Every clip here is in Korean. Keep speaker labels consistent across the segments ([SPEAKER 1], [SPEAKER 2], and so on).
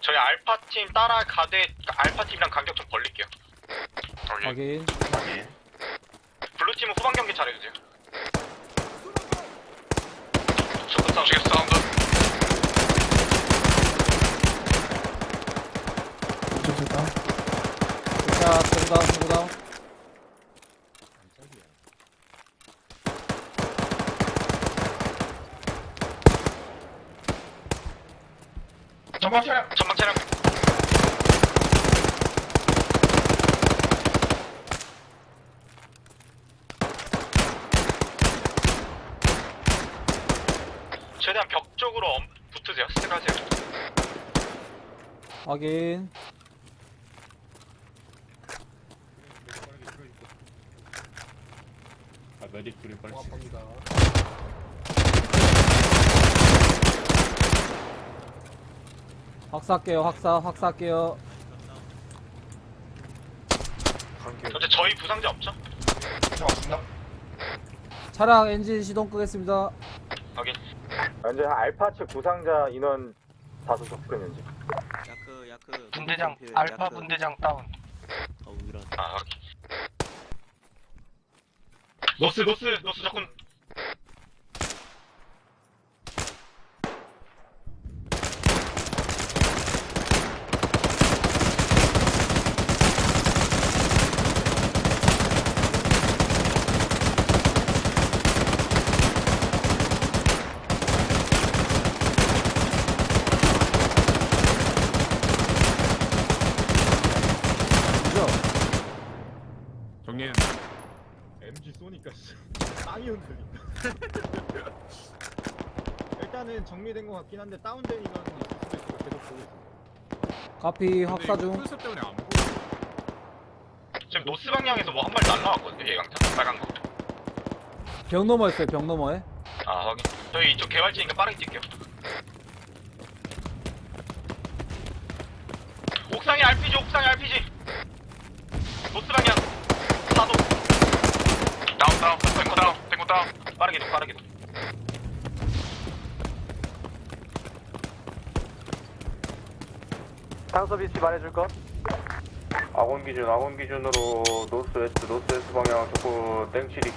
[SPEAKER 1] 저희 알파팀 따라가되 알파팀이랑 간격 좀 벌릴게요.
[SPEAKER 2] 확인.
[SPEAKER 1] 블루팀은 후방 경기 잘해주세요. 쇼크 사운드. 사운드.
[SPEAKER 2] 자, 소구다.
[SPEAKER 1] 전방 차량. 최대한 벽 쪽으로 붙으세요. 스택하세요.
[SPEAKER 2] 확인.
[SPEAKER 3] 메딕 둘이 빨리
[SPEAKER 4] 고맙습니다.
[SPEAKER 2] 확사할게요. 확사할게요.
[SPEAKER 1] 현재 저희 부상자 없죠? 없습니다.
[SPEAKER 2] 차량 엔진 시동 끄겠습니다.
[SPEAKER 1] 확인.
[SPEAKER 5] 현재 알파 측 부상자 인원 다수 접근 현재.
[SPEAKER 6] 야크
[SPEAKER 1] 분대장 알파 분대장 다운.
[SPEAKER 6] 이런.
[SPEAKER 1] 아 확인. 노스 접근.
[SPEAKER 2] 그죠?
[SPEAKER 3] 정리는 MG 쏘니까 땅이 흔들린다. 일단은 정리된 것 같긴 한데 다운된 인원은 있을 수도 있고 계속 보고 있어.
[SPEAKER 2] 카피 확사 중.
[SPEAKER 3] 풀숲 때문에 안 보고.
[SPEAKER 1] 지금 노스 방향에서 뭐 한 마리 날라왔거든요. 예강차 빨간 거.
[SPEAKER 2] 벽 넘어 있어요. 벽 너머에.
[SPEAKER 1] 아 확인. 저희 이쪽 개발지니까 빠르게 뛸게요. 옥상에 RPG. 노스 방향. 사도. 다운. 탱고 다운. 빠르게 도.
[SPEAKER 5] 상서비스 말해줄 것. 아군 기준으로 노스웨스트 방향 조금 땡치리.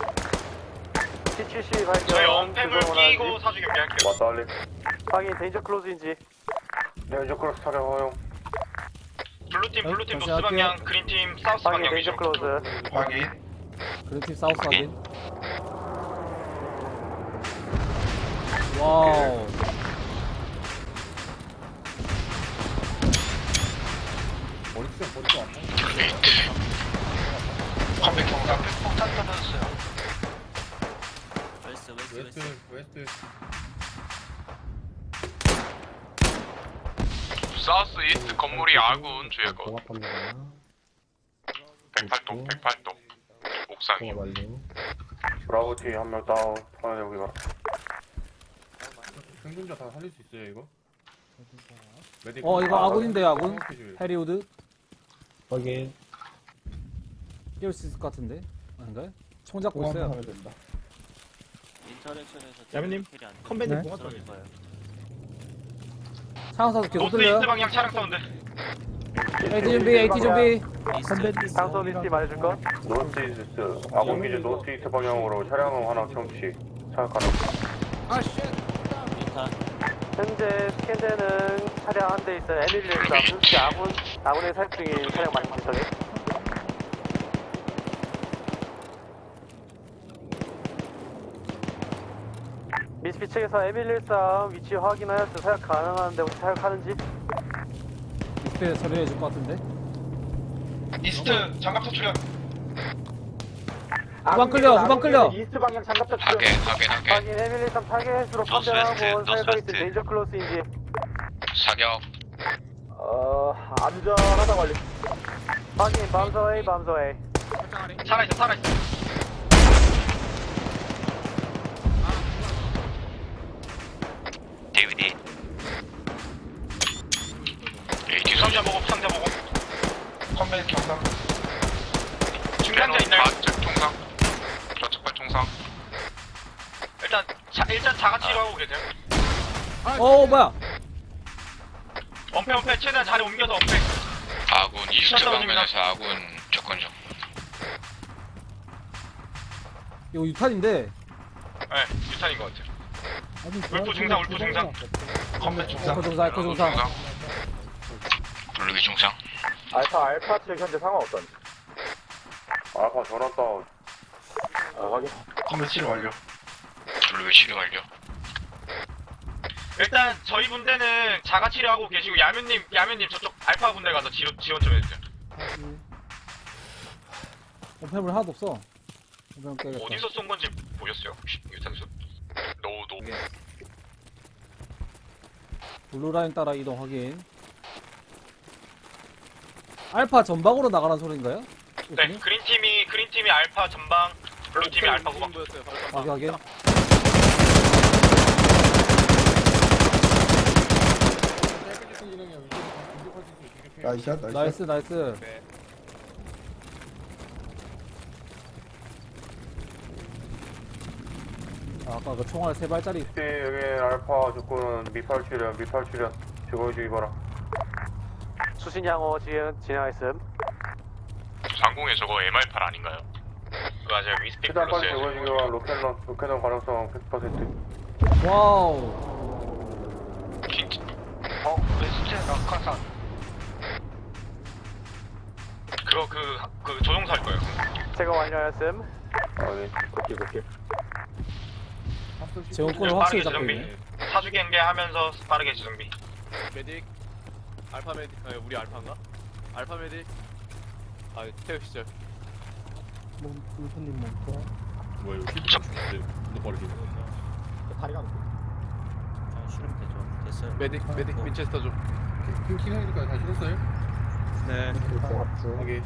[SPEAKER 5] T7C 발견.
[SPEAKER 1] 저희 언패블 끼고 사주 경기할게요.
[SPEAKER 5] 왔다 할래. 확인 데인저 클로즈인지. 데인저 클로즈 촬영 허용.
[SPEAKER 1] 블루팀
[SPEAKER 2] 다시
[SPEAKER 1] 노스
[SPEAKER 2] 할게요.
[SPEAKER 1] 방향, 그린팀 사우스
[SPEAKER 5] 확인
[SPEAKER 1] 방향
[SPEAKER 5] 데인저
[SPEAKER 1] 위주로.
[SPEAKER 5] 클로즈.
[SPEAKER 1] 확인.
[SPEAKER 2] 그린팀 사우스 확인. 와우.
[SPEAKER 3] 머리도 안 나와.
[SPEAKER 1] 컴백 경사 폭탄 터졌어요.
[SPEAKER 3] 웨스트.
[SPEAKER 1] 사우스 이스트 건물이 아군 주의하고.
[SPEAKER 4] 고맙습니다.
[SPEAKER 1] 108동. 옥상이요.
[SPEAKER 4] 고맙 완료.
[SPEAKER 5] 브라보 T 한 명 다운. 하나 여기가.
[SPEAKER 3] 생존자 다 살릴 수 있어요 이거? 메딕
[SPEAKER 2] 이거 아군인데요, 아군. 해리우드.
[SPEAKER 4] 확인.
[SPEAKER 2] 띄울 수 있을 것 같은데. 아닌가요? 총 잡고 있어요.
[SPEAKER 4] 하면 된다.
[SPEAKER 6] 인터랙션에서
[SPEAKER 3] 야매님,
[SPEAKER 6] 킬이 안
[SPEAKER 3] 컴밴드
[SPEAKER 6] 되면
[SPEAKER 3] 공화
[SPEAKER 6] 쓰러질 거예요.
[SPEAKER 2] 차량 사수 계속
[SPEAKER 1] 노스
[SPEAKER 2] 들려요.
[SPEAKER 1] 이스트 방향 차량 사운드.
[SPEAKER 2] AT 준비.
[SPEAKER 5] 상서비스 말해줄 것. 노스 이스트. 아군 기준 노스 이스트 방향으로 차량 하나 정치. 차량하는.
[SPEAKER 6] 인타.
[SPEAKER 5] 현재 스캔되는 차량 한 대 있어요. 에밀리에서 현재 아군의 사육 중인 차량 말씀드리죠. 미스피 측에서 에밀리에서 위치 확인하였어. 사육 가능한데 혹시 사육하는지?
[SPEAKER 2] 이스트에 처리해 줄 것 같은데.
[SPEAKER 1] 이스트 장갑차 출현.
[SPEAKER 2] 후방 끌려.
[SPEAKER 5] 이스트 방향 장갑차 출현.
[SPEAKER 1] 확인.
[SPEAKER 5] 확인 에밀리에서 타겟으로 판단하고 사육하고 있는 데인저 클로스인지.
[SPEAKER 1] 사격.
[SPEAKER 5] 안전하다 관리. 확인 밤서웨이.
[SPEAKER 1] 살아있어. 데이비디. 뒤상자 보고. 컴백 경상. 중간자 있나요? 좌측 총상. 좌측발 총상. 일단 자가치로 하고 계세요.
[SPEAKER 2] 뭐야?
[SPEAKER 1] 엄폐 최대한 자리 옮겨서 엄폐.
[SPEAKER 7] 아군 이스트
[SPEAKER 1] 샷다운입니다.
[SPEAKER 7] 방면에서 아군 접근 중.
[SPEAKER 2] 이거 유탄인데.
[SPEAKER 1] 네, 유탄인 것 같아요. 울프 중상, 울프 중상. 컴뱃 중상.
[SPEAKER 2] 알코 중상, 알코 중상.
[SPEAKER 7] 블루기 중상.
[SPEAKER 5] 알파 측 현재 상황 어떤지. 알파 전원 다운. 확인.
[SPEAKER 1] 컴뱃 치료 완료.
[SPEAKER 7] 블루기 치료 완료.
[SPEAKER 1] 일단 저희 분대는 자가 치료하고 계시고 야면님 저쪽 알파 분대 가서 지원 좀 해주세요.
[SPEAKER 2] 폐물 하나도 없어. 그냥 깨겠다.
[SPEAKER 1] 어디서 쏜 건지 보셨어요? 유탄수? 노.
[SPEAKER 2] 블루라인 따라 이동 확인. 알파 전방으로 나가라는 소리인가요?
[SPEAKER 1] 네, 그린팀이 알파 전방, 블루팀이 알파 후방.
[SPEAKER 2] 확인 확인. 나이스 나이스. 아까 그 총알 3발짜리.
[SPEAKER 5] 여기 알파 조건은 미팔 출연. 제거해주기 바라.
[SPEAKER 8] 수신양호 지은 진행하였음.
[SPEAKER 7] 상공에 저거 MR8 아닌가요?
[SPEAKER 1] 맞아요, 위스픽
[SPEAKER 5] 최대한 빨리
[SPEAKER 1] 플러스에요.
[SPEAKER 5] 제거해주기 바라. 로켓런 가능성 100%.
[SPEAKER 2] 와우.
[SPEAKER 7] 웨스트 낙하산.
[SPEAKER 1] 그거 그 조종사 할 거예요.
[SPEAKER 8] 제거 완료하였음.
[SPEAKER 5] 오케이.
[SPEAKER 2] 제공권을 확실히 잡고
[SPEAKER 1] 재정비.
[SPEAKER 2] 있네.
[SPEAKER 1] 사주 경계하면서 빠르게 재정비.
[SPEAKER 3] 메딕 알파 메딕 우리 알파인가? 알파 메딕 태우시죠.
[SPEAKER 4] 뭐야 이거 히트 죽는데 근데 빠르게
[SPEAKER 3] 다리가 안
[SPEAKER 6] 아, 실험 되죠. 됐어요.
[SPEAKER 3] 메딕 윈체스터 좀.
[SPEAKER 4] 킹하니까 다 실었어요?
[SPEAKER 6] 네.
[SPEAKER 5] 여기.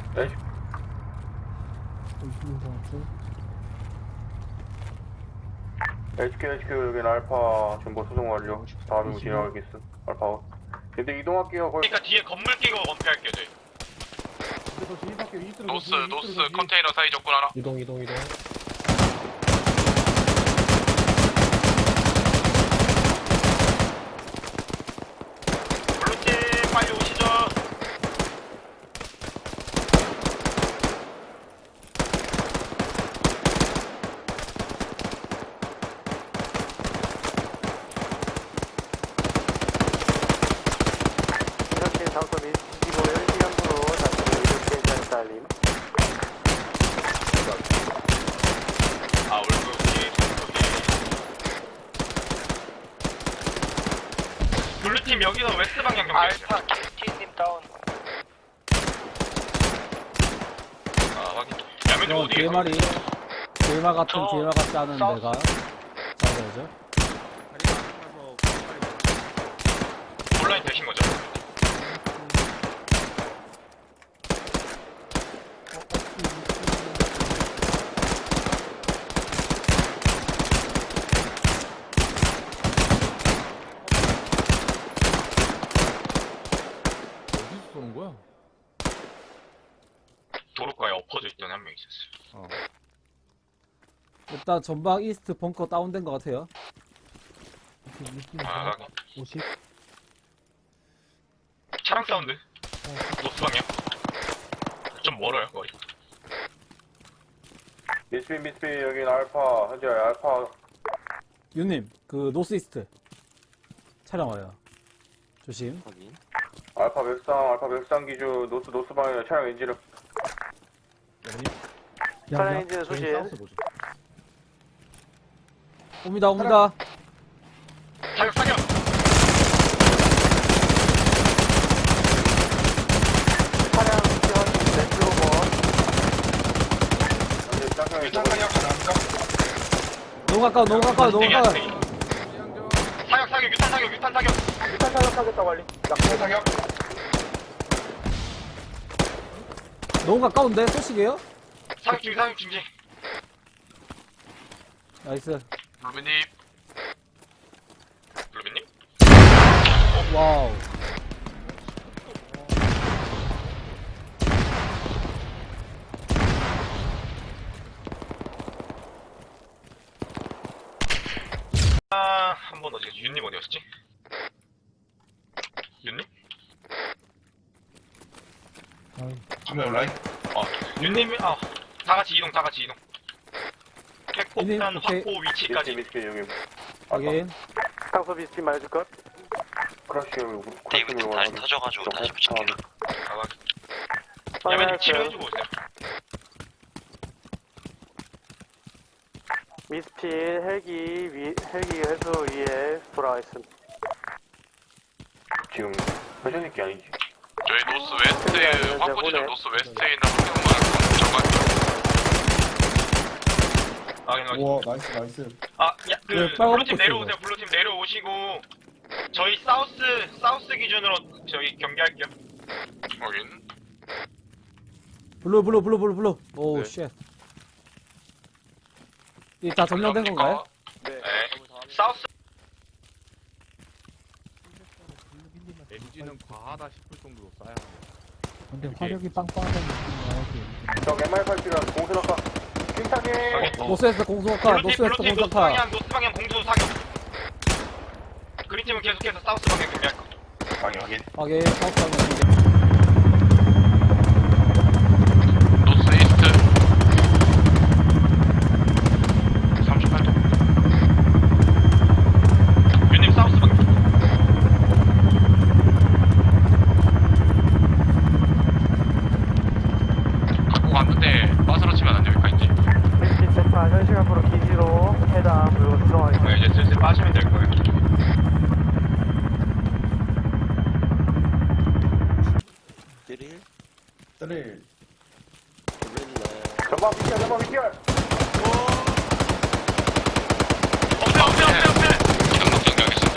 [SPEAKER 5] HQ 여기는 알파 정보 수송 완료. 다음으로 진행하겠음. 알파. 근데 이동할게요. 거의.
[SPEAKER 1] 그러니까 뒤에 건물 끼고 엄폐할게요, 저희.
[SPEAKER 7] 노스 컨테이너 사이 접근 하나.
[SPEAKER 4] 이동
[SPEAKER 1] 블루팀 빨리 오시죠.
[SPEAKER 8] 이렇게 장소 및 25일 시간으로 다시 이렇게 대한 알림.
[SPEAKER 1] 아, 울프 뒤에 블루팀 여기서 웨스트 방향 경계했어요.
[SPEAKER 7] 알파 KT님 다운.
[SPEAKER 1] 아, 확인. 야면님 어디 계세요?
[SPEAKER 2] DMR이 DMR 같은
[SPEAKER 7] 저
[SPEAKER 2] DMR 같지 않은
[SPEAKER 7] 사우스.
[SPEAKER 2] 내가 잡아야죠.
[SPEAKER 1] 온라인 되신 거죠?
[SPEAKER 3] 어디서 쏘는 거야?
[SPEAKER 1] 도로가에 엎어져 있던 한 명 있었어요.
[SPEAKER 2] 일단 전방 이스트 벙커 다운된 것 같아요.
[SPEAKER 1] 아, 확인. 차량 사운드. 노스 방향. 좀 멀어요, 거리.
[SPEAKER 5] 미스비 여기는 알파. 현재 알파.
[SPEAKER 2] 유님 그 노스 이스트 차량 와요. 조심.
[SPEAKER 6] 확인.
[SPEAKER 5] 알파 맥상 기준 노스 방향 차량 엔진을.
[SPEAKER 8] 차량 엔진 수신.
[SPEAKER 2] 옵니다.
[SPEAKER 1] 사격!
[SPEAKER 8] 차량 지원 왼쪽 원.
[SPEAKER 5] 현재 짱짱이
[SPEAKER 2] 너무 가까워.
[SPEAKER 1] 사격, 유탄 사격.
[SPEAKER 8] 유탄 사격하겠다고 알림.
[SPEAKER 1] 사격.
[SPEAKER 2] 너무 가까운데 소식이에요?
[SPEAKER 1] 사격 중지.
[SPEAKER 2] 나이스.
[SPEAKER 1] 루비님?
[SPEAKER 2] 와우.
[SPEAKER 1] 아, 한 번 어디, 윤님 어디였지? 윤님?
[SPEAKER 4] 한명 라인.
[SPEAKER 1] 윤님, 다 같이 이동.
[SPEAKER 2] 윤님,
[SPEAKER 1] 핵폭탄
[SPEAKER 2] 오케이.
[SPEAKER 1] 확보 위치까지.
[SPEAKER 5] 미스키 여기.
[SPEAKER 2] 확인.
[SPEAKER 8] 상소 미스티 말해줄 것.
[SPEAKER 5] 크라시 여기.
[SPEAKER 7] 데이비드 다시 터져가지고 다시 붙일게요.
[SPEAKER 1] 야면님 치료해주고 오세요.
[SPEAKER 8] 미스티 헬기 회수 위에 돌아와 있음.
[SPEAKER 5] 지금 회전익기 아니지?
[SPEAKER 7] 저희 노스 웨스트 확보 지점 노스 웨스트에 있는 환경만 정말
[SPEAKER 1] 확인.
[SPEAKER 4] 우와 나이스.
[SPEAKER 2] 그 빨간
[SPEAKER 1] 블루팀
[SPEAKER 2] 옷
[SPEAKER 1] 내려오세요. 블루팀 내려오시고 저희 사우스 기준으로 저희 경계할게요.
[SPEAKER 7] 확인.
[SPEAKER 2] 블루. 오, 쉣. 이 다 점령된 건가요?
[SPEAKER 7] 네.
[SPEAKER 1] 사우스
[SPEAKER 3] 엔진은 과하다 싶을 정도로 쌓여.
[SPEAKER 2] 근데 화력이 빵빵하다는 느낌이야.
[SPEAKER 5] 저 MR8 필요한 공수나가. 팀장님!
[SPEAKER 2] 노스웨스트 공수학과, 노스웨스트
[SPEAKER 1] 블루팀 노스
[SPEAKER 2] 공수학과.
[SPEAKER 1] 방향 공수 사격. 그린팀은 계속해서 사우스 방향 경계할 거.
[SPEAKER 5] 확인.
[SPEAKER 2] 확인, 사우스 방향.
[SPEAKER 7] 노스 이스트 38도.
[SPEAKER 1] 윤님 사우스 방향.
[SPEAKER 7] 갖고 갔는데 빠스러치면 안 됩니까 이제?
[SPEAKER 8] 미스티 재판 현시간으로 기지로 해당 그리고 수정하겠습니다.
[SPEAKER 1] 이제 슬슬 빠지면 될 거예요.
[SPEAKER 4] 쓰릴.
[SPEAKER 5] 전방 비키야.
[SPEAKER 1] 없애.
[SPEAKER 7] 이동력 정리하겠습니다.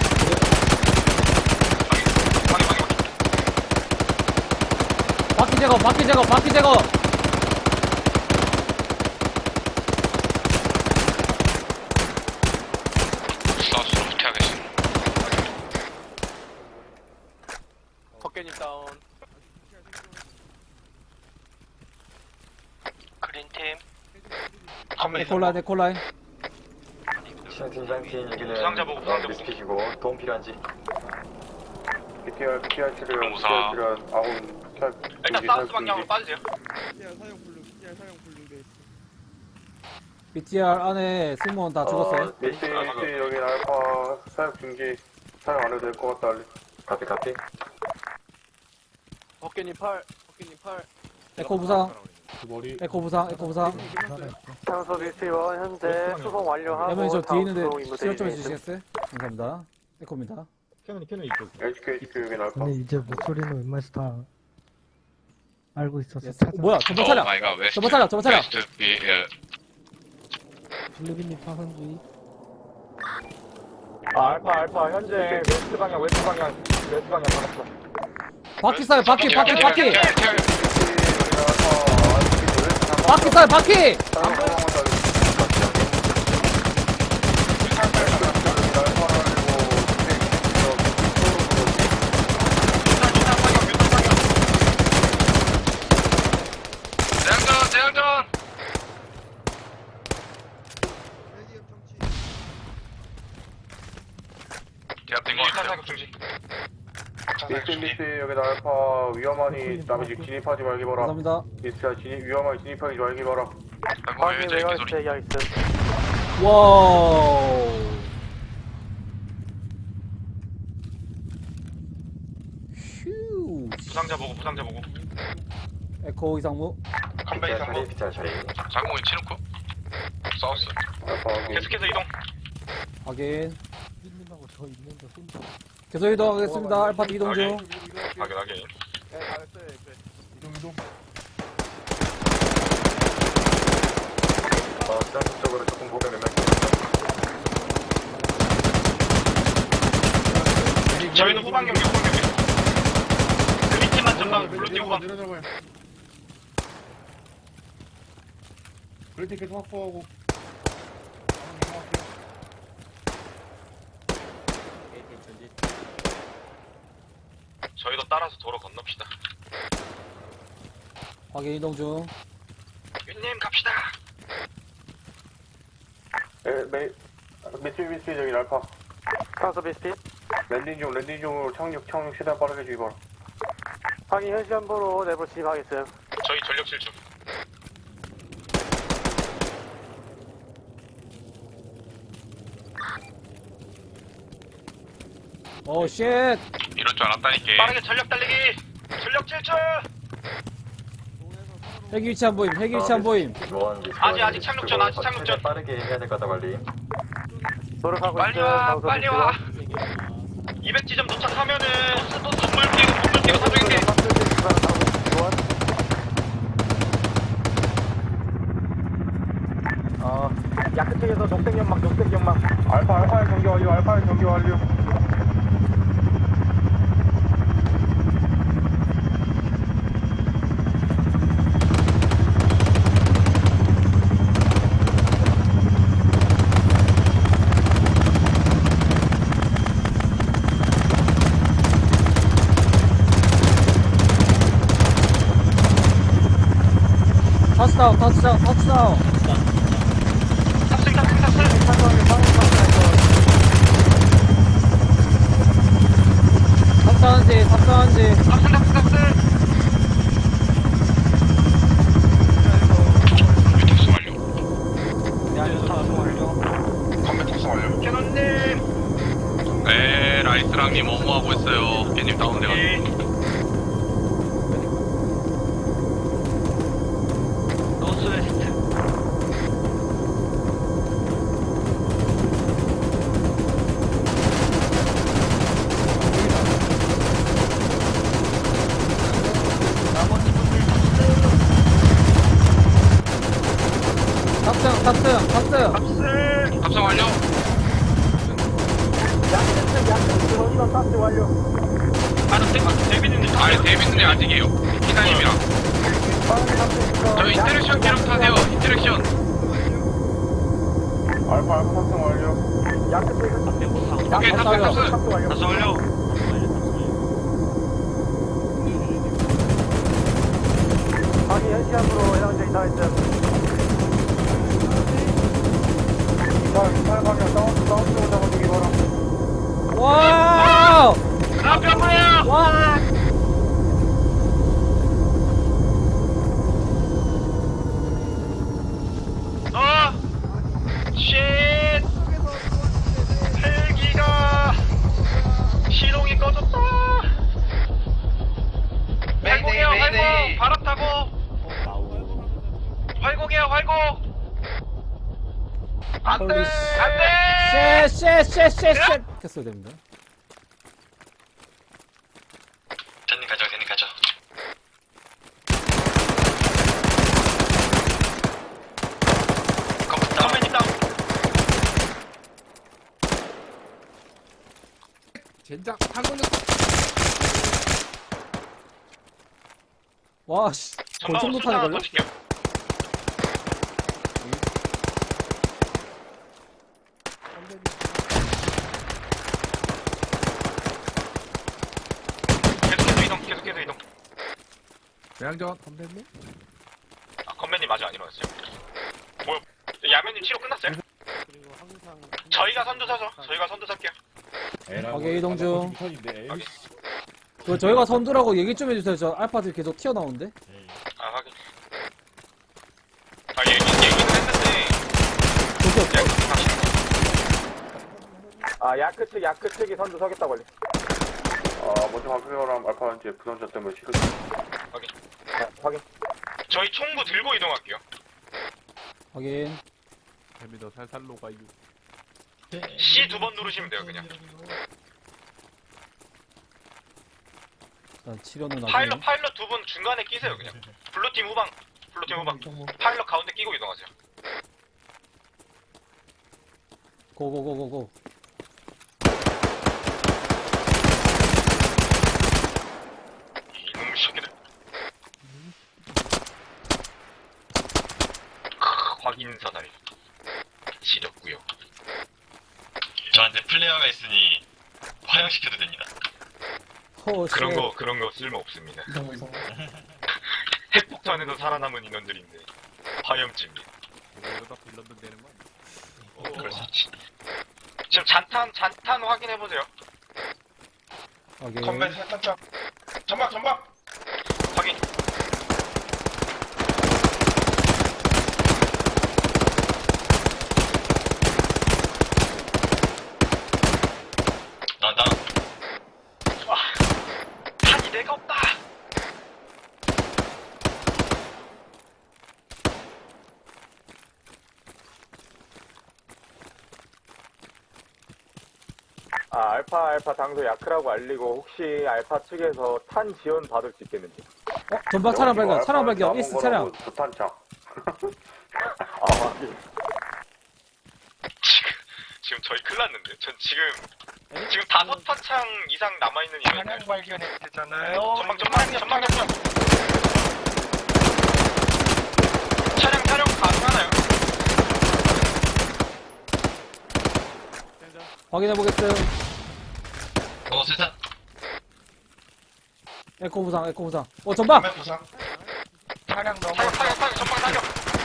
[SPEAKER 2] 바퀴 제거.
[SPEAKER 7] 사우스로 후퇴하겠습니다.
[SPEAKER 6] 덕계님 다운.
[SPEAKER 7] 그린팀.
[SPEAKER 2] 에콜라인.
[SPEAKER 1] 부상자 보고.
[SPEAKER 5] 도움 필요한지. BTR 치료.
[SPEAKER 7] 공사.
[SPEAKER 5] BTR 필요한 아군 탈.
[SPEAKER 1] 일단 사우스 방향으로 빠지세요.
[SPEAKER 2] BTR 안에 승무원 다 죽었어요.
[SPEAKER 5] 미스 여기 알파 사격 중지 사용 안 해도 될 것 같다. 카피.
[SPEAKER 6] 덕계님 팔.
[SPEAKER 2] 에코 부상.
[SPEAKER 4] 그 머리.
[SPEAKER 2] 에코 부상.
[SPEAKER 8] 상소 미스티원 현재 수송 완료하고
[SPEAKER 2] 야면이 저 뒤에 있는데
[SPEAKER 8] 수송 임무
[SPEAKER 2] 시력 좀
[SPEAKER 8] 대기
[SPEAKER 2] 해주시겠어요? 감사합니다. 에코입니다.
[SPEAKER 3] 캐논 이쪽.
[SPEAKER 5] HQ 여기 알파.
[SPEAKER 9] 근데 이제 목소리는 웬만해서 다 알고 있어서
[SPEAKER 2] 예스.
[SPEAKER 9] 찾아.
[SPEAKER 2] 뭐야? 전방 차량.
[SPEAKER 7] 마이가 웨스트.
[SPEAKER 2] 전방 차량.
[SPEAKER 7] 웨스트 B
[SPEAKER 9] 블루빈님 파산주의.
[SPEAKER 5] 알파 현재 웨스트 방향 받았어.
[SPEAKER 2] 바퀴 쏴요. 바퀴.
[SPEAKER 5] 여기 알파
[SPEAKER 2] 바퀴 쏴요. 바퀴.
[SPEAKER 7] 대항전. 제압된 것 같아요.
[SPEAKER 1] 사격 중지.
[SPEAKER 5] 미스 여기 알파 위험하니 남의 집 진입하지 말기 바라.
[SPEAKER 2] 감사합니다.
[SPEAKER 5] 미스야 위험하니 진입하지 말기 바라.
[SPEAKER 8] 확인
[SPEAKER 7] 이제
[SPEAKER 8] 외곽
[SPEAKER 7] 개소리.
[SPEAKER 8] 대기하겠음.
[SPEAKER 2] 와우. 휴.
[SPEAKER 1] 부상자 보고.
[SPEAKER 2] 에코 이상무.
[SPEAKER 7] 컴베이 상무. 장공이 치놓고. 사우스.
[SPEAKER 5] 알파
[SPEAKER 1] 계속해서 이동.
[SPEAKER 2] 확인.
[SPEAKER 9] 빈님하고 저 있는데 혼자.
[SPEAKER 2] 계속 이동하겠습니다. 알파 이동 중.
[SPEAKER 1] 확인.
[SPEAKER 4] 이동.
[SPEAKER 5] 지상적으로 조금 보면
[SPEAKER 1] 저희는 후방 경계. 그린팀만 전방, 블루팀 후방.
[SPEAKER 4] 내려잡아요. 그린팀 계속 확보하고.
[SPEAKER 1] 저희도 따라서 도로 건넙시다.
[SPEAKER 2] 확인 이동 중.
[SPEAKER 1] 윤님 갑시다.
[SPEAKER 5] 미스 여기 알파.
[SPEAKER 8] 상소 미스티
[SPEAKER 5] 랜딩 중으로 착륙 최대한 빠르게 주기 바라.
[SPEAKER 8] 확인 현시 한번으로 내부 진입하겠어요.
[SPEAKER 1] 저희 전력 실중.
[SPEAKER 2] 오, 쉣!
[SPEAKER 7] 이럴 줄 알았다니까.
[SPEAKER 1] 빠르게 전력 달리기. 전력 질주.
[SPEAKER 2] 헬기 위치 안 보임, 헬기 위치 안 보임.
[SPEAKER 1] 아직 착륙 전. 아직 착륙 전.
[SPEAKER 5] 빠르게 해야 될 거다 관리.
[SPEAKER 8] 노력하고
[SPEAKER 1] 빨리
[SPEAKER 8] 있어요.
[SPEAKER 1] 와.
[SPEAKER 8] 장소
[SPEAKER 1] 빨리
[SPEAKER 8] 위치로.
[SPEAKER 1] 와. 200지점 도착하면은 또 건물 끼고 사정인데.
[SPEAKER 3] 야크 측에서 녹색 연막.
[SPEAKER 5] 알파의 경기 완료. 알파의 경기 완료.
[SPEAKER 2] 터치다운, 터치다운, 터치다운.
[SPEAKER 1] 탑승.
[SPEAKER 2] 탑승한지, 탑승한지.
[SPEAKER 1] 탑승.
[SPEAKER 7] 탑승 완료.
[SPEAKER 1] 컴퓨터 탑승 완료. 캐논님.
[SPEAKER 7] 네, 라이스랑님 업무하고 있어요. 깨님 다운돼가지고.
[SPEAKER 1] 노스웨스트.
[SPEAKER 2] 탑승.
[SPEAKER 7] 탑승 완료.
[SPEAKER 1] 데뷔님.
[SPEAKER 7] 아니, 데이비드님 아직이에요. 피자님이랑. 저 인터랙션 기록 타세요. 인터랙션.
[SPEAKER 5] 알파 탑승 완료.
[SPEAKER 7] 오케이, 탑승.
[SPEAKER 1] 탑승 완료.
[SPEAKER 8] 확인 현시 한번으로 해당자 이상했어요.
[SPEAKER 5] 28방향 다운 잡아주기 바람.
[SPEAKER 2] 와우!
[SPEAKER 1] 나병우야.
[SPEAKER 2] 와!
[SPEAKER 1] 쉣! 헬기가 시동이 꺼졌다. 활공이야, 활공. 바람 타고. 활공이야, 활공. 안 돼!
[SPEAKER 2] 홀리
[SPEAKER 1] 안 돼!
[SPEAKER 2] 쉣! 켰어야 됩니다.
[SPEAKER 7] 제님 가죠.
[SPEAKER 1] 컴퓨터 다운.
[SPEAKER 2] 와, 씨. 골청
[SPEAKER 1] 전방으로
[SPEAKER 2] 못하는 걸요?
[SPEAKER 1] 던질게요. 계속해서 이동.
[SPEAKER 3] 대양전 선배님?
[SPEAKER 1] 건배님 아직 안 일어났어요. 뭐야? 야매님 치료 끝났어요? 저희가 선두 사죠. 저희가 선두 살게요.
[SPEAKER 2] 오케이, 이동 중. 저희가 선두라고 얘기 좀 해주세요. 저 알파들 계속 튀어나오는데.
[SPEAKER 1] 아 확인. 아 얘기는 했는데.
[SPEAKER 2] 도시 없어?
[SPEAKER 8] 야크 측이 선두 서겠다고 걸리.
[SPEAKER 5] 먼저 발표하람 알파 이제 부상자 때문에 치료.
[SPEAKER 8] 확인.
[SPEAKER 1] 저희 총구 들고 이동할게요.
[SPEAKER 2] 확인.
[SPEAKER 3] 재미도 살살로 가요.
[SPEAKER 1] C 2번 누르시면 돼요 그냥.
[SPEAKER 2] 자, 치료는
[SPEAKER 1] 파일럿
[SPEAKER 2] 나중에.
[SPEAKER 1] 2분 중간에 끼세요 그냥. 블루팀 후방. 파일럿 가운데 끼고 이동하세요.
[SPEAKER 2] 고고고고고.
[SPEAKER 1] 이놈 새끼들. 확인 사다리. 지렸고요.
[SPEAKER 7] 저한테 플레이어가 있으니 화형시켜도 됩니다.
[SPEAKER 2] 호, 쉣.
[SPEAKER 1] 그런 거 쓸모 없습니다. 핵폭탄에서 살아남은 인원들인데 화염집니다.
[SPEAKER 3] 이러다 빌런도 되는 거 아니야?
[SPEAKER 1] 그럴 수 있지. 지금 잔탄 확인해 보세요.
[SPEAKER 2] 확인.
[SPEAKER 4] 컴뱃 살짝 전방
[SPEAKER 1] 데가 없다.
[SPEAKER 5] 알파 당소 야크라고 알리고 혹시 알파 측에서 탄 지원 받을 수 있겠는지.
[SPEAKER 2] 전방 차량 발견, 차량 발견, 이스트 차량.
[SPEAKER 5] 부탄창.
[SPEAKER 1] 지금 저희 큰일 났는데. 전 지금 5탄창 이상 남아있는 이유는
[SPEAKER 6] 발견했잖아요.
[SPEAKER 1] 전방. 차량 가능하나요?
[SPEAKER 2] 확인해보겠어요.
[SPEAKER 7] 세상.
[SPEAKER 2] 에코 부상. 전방!
[SPEAKER 4] 부상.
[SPEAKER 6] 차량 넘어.
[SPEAKER 1] 타격, 전방 타격.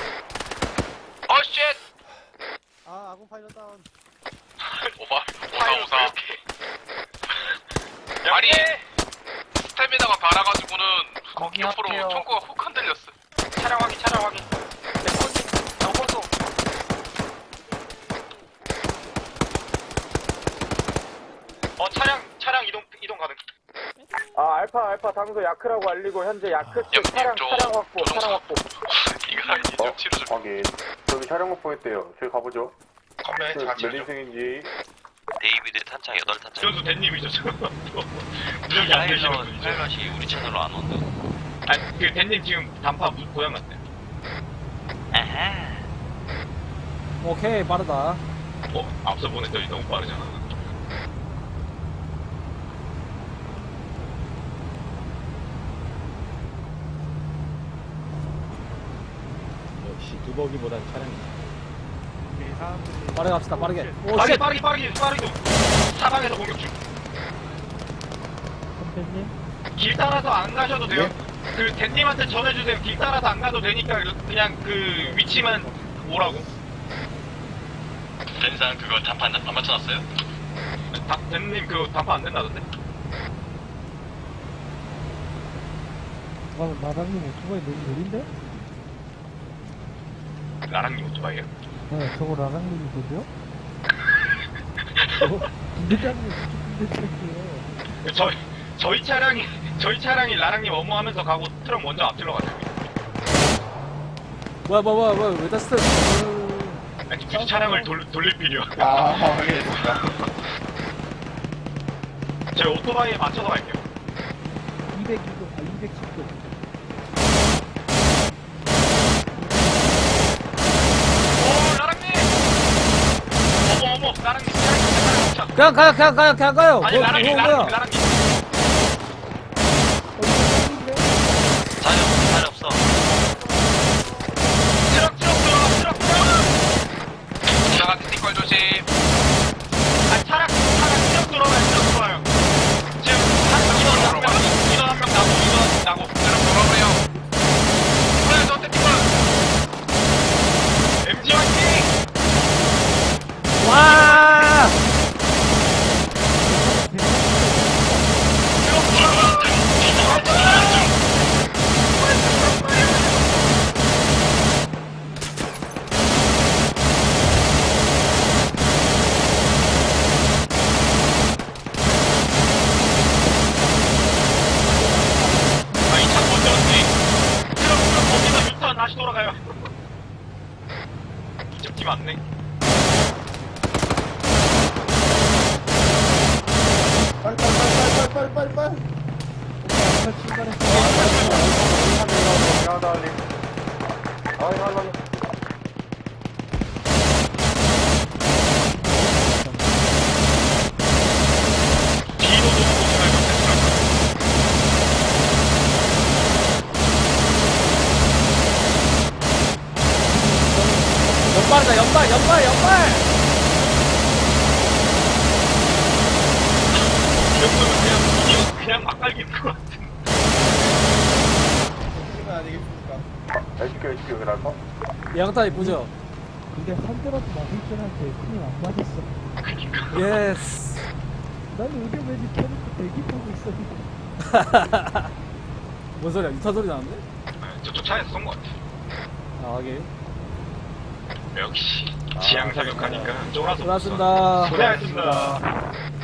[SPEAKER 1] 쉣!
[SPEAKER 3] 아, 아군 파일럿 다운.
[SPEAKER 7] 오사. 아니, 스태미나가 달아가지고는
[SPEAKER 6] 거기
[SPEAKER 7] 옆으로
[SPEAKER 6] 앞에요.
[SPEAKER 7] 총구가 훅 흔들렸어.
[SPEAKER 1] 차량 확인.
[SPEAKER 6] 넘어서.
[SPEAKER 1] 차량 이동 가능.
[SPEAKER 5] 알파 당소 야크라고 알리고 현재 야크 측 차량 확보.
[SPEAKER 7] 이거 이쪽 치료 좀.
[SPEAKER 5] 확인. 저기 차량 확보했대요. 저기 가보죠.
[SPEAKER 1] 컴백
[SPEAKER 5] 몇 인승인지.
[SPEAKER 10] 데이비드 탄창 8탄창.
[SPEAKER 1] 지원수 대님이죠, 저. 무적이 안 되시는 분이죠.
[SPEAKER 10] 파일럿이 우리 채널로 안 온다.
[SPEAKER 1] 아니, 그 대님 지금 단파 고장 났대.
[SPEAKER 10] 아하.
[SPEAKER 2] 오케이, 빠르다.
[SPEAKER 1] 앞서 보냈더니 너무 빠르잖아.
[SPEAKER 3] 역시 두벅이보단 차량이.
[SPEAKER 2] 빠르게 갑시다, 빠르게. 오,
[SPEAKER 1] 빠르게,
[SPEAKER 2] 쉣!
[SPEAKER 1] 빠르게. 사방에서 공격 중.
[SPEAKER 9] 선배님?
[SPEAKER 1] 길 따라서 안 가셔도 돼요. 그 대님한테 전해주세요. 길 따라서 안 가도 되니까 그냥 그 위치만 오라고.
[SPEAKER 7] 렌상 그거 단판 안 맞춰놨어요?
[SPEAKER 1] 대님 그 단파 안 된다던데?
[SPEAKER 9] 마당님 오토바이 너무 느린데?
[SPEAKER 1] 나랑님 오토바이에요?
[SPEAKER 9] 네, 저거 라랑님이 되죠? 부대장님 부대장이에요.
[SPEAKER 1] 저희 차량이 나랑님 어머하면서 가고 트럭 먼저 앞질러 가요.
[SPEAKER 2] 뭐야, 왜 다스트?
[SPEAKER 1] 아니 굳이 차량을 돌릴 필요.
[SPEAKER 4] 확인했습니다.
[SPEAKER 1] 저희 오토바이에 맞춰서 갈게요.
[SPEAKER 9] 210도.
[SPEAKER 1] 오 나랑님! 어머 나랑님 차량
[SPEAKER 2] 그냥 가요.
[SPEAKER 1] 아니 나랑님
[SPEAKER 2] 뭐야?
[SPEAKER 10] 자리 없어.
[SPEAKER 1] 트럭 들어가.
[SPEAKER 7] 차가 티걸 조심.
[SPEAKER 1] 아니 차량 트럭 들어와요. 지금 인원 한 명 나고.
[SPEAKER 7] 트럭 돌아오래요. 저 티걸.
[SPEAKER 1] MG 화이팅!
[SPEAKER 2] 와!
[SPEAKER 1] 이차 먼저 왔지. 트럭 거기서 유턴 다시 돌아가요. 이쪽 팀 맞네.
[SPEAKER 4] 빨리.
[SPEAKER 1] 뒤도 너무 조심해야
[SPEAKER 2] 연발이다, 연발!
[SPEAKER 1] 이 정도면 그냥 막 갈기는 것 같은.
[SPEAKER 5] 해줄게 그럴까?
[SPEAKER 2] 양타 이쁘죠?
[SPEAKER 9] 근데 한 대라도 맞을 뻔한테 큰일 안 맞았어.
[SPEAKER 1] 그니까.
[SPEAKER 2] 예스.
[SPEAKER 9] 나는 의료맨이 켜놓고 대기하고 있었는데.
[SPEAKER 2] 뭔 소리야? 유타 소리 나는데?
[SPEAKER 1] 저쪽 차에서 쏜 것 같아.
[SPEAKER 2] 아, 하게.
[SPEAKER 1] 역시 지향 사격하니까 쫄아서.
[SPEAKER 2] 수고하셨습니다.
[SPEAKER 1] 고생하셨습니다.